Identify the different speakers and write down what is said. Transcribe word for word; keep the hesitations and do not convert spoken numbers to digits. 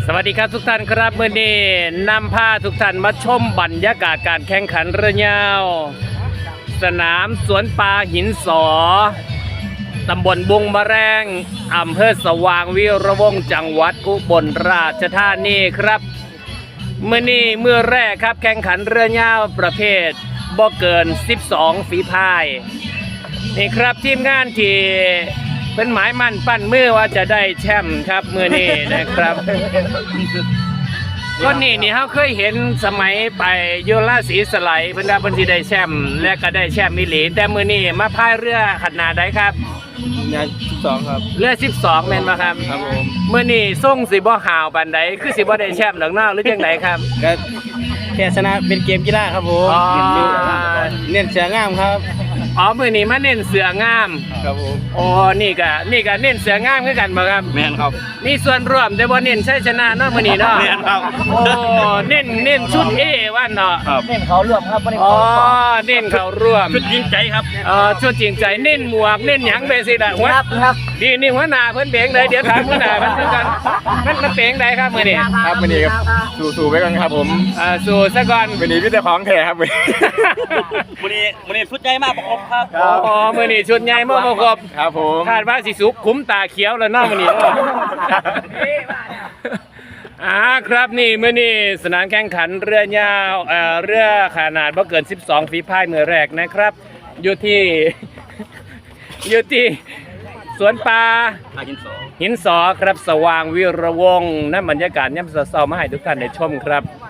Speaker 1: สวัสดีครับทุกท่านครับเมื่อนี้นำพาทุกท่านมาชมบรรยากาศการแข่งขันเรือยาวสนามสวนปลาหินสอตำบลบุงมะแรงอำเภอสว่างวีระวงศ์จังหวัดอุบลราชธานีครับเมื่อนี้เมื่อแรกครับแข่งขันเรือยาวประเภทบ่เกินสิบสองฝีพายนี่ครับทีมงานที่เป็นหมายมั่นปั้นมือว่าจะได้แชมป์ครับมือนี้นะครับก็นี่นี่เขาเคยเห็นสมัยไปโยราศรีสไลด์เพิ่นว่าเพิ่นสิได้แชมป์และก็ได้แชมป์มิลีแต่มือนี้มาพายเรือขนาดใดครับ
Speaker 2: งานสิบสองครับ
Speaker 1: เรือสิบสองแม่นบ่ครับ
Speaker 2: ครับผม
Speaker 1: มือนี้ส่งสิบ่ห่าวปานใดคือสิบ่ได้แชมป์ดอกเนาะหรือจังไดครับ
Speaker 2: ก็แค่ชนะเป็นเกมกีฬาครับผมเน้นเสืองามครับ
Speaker 1: อ๋อมือนี้มาเน้นเสืองาม
Speaker 2: ครับผม
Speaker 1: อ๋อนี่ก็นี่ก็เน้นเสืองามคือกันบ่ครับ
Speaker 2: แม่นครับ
Speaker 1: มีส่วนร่วมแต่บ่เน้นชัยชนะเนาะมื้อนี้เนาะ
Speaker 2: แม่นครับ
Speaker 1: โอ้เน้นเน้นชุด A ว่าเนาะ
Speaker 2: เน้นเขาร่วมครับบ่ได้
Speaker 1: อ๋อเน้นเขาร่วม
Speaker 2: ชุดจริงใจครับ
Speaker 1: เอ่อชุดจริงใจเน้นหมวกเน้นหยังไปสิล่ะ
Speaker 2: ครับครับ
Speaker 1: ดีนี่หัวหน้าเพิ่นเบงได้เดี๋ยวถามหัวหน้ามันคือกันมันมันเบงได้ครับมื้อนี้
Speaker 2: ครับมื้อนี้ครับสู้ๆไว้ก่อนครับผม
Speaker 1: อ่าสู้ซะก่อน
Speaker 2: มื้อนี้มีแต่ของแท้ครับมื้อ
Speaker 3: นี้มื้อนี้ชุดใหญ่มากประกบครับ
Speaker 1: อ๋อมื้อนี้ชุดใหญ่มาประกบ
Speaker 2: ครับผม
Speaker 1: คาดว่าสิสุกคุ้มตาเขียวแล้วเนาะมื้อนี้อ่าครับนี่มื้อนี้สนามแข่งขันเรือยาวเอ่อเรือขนาดบ่เกินสิบสองฝีพายมือแรกนะครับอยู่ที่อยู่ที่สวนปลา
Speaker 3: หินสอ
Speaker 1: หินสอครับสว่างวีระวงศ์นั่นบรรยากาศย่ำเช้าๆมาให้ทุกท่านได้ชมครับ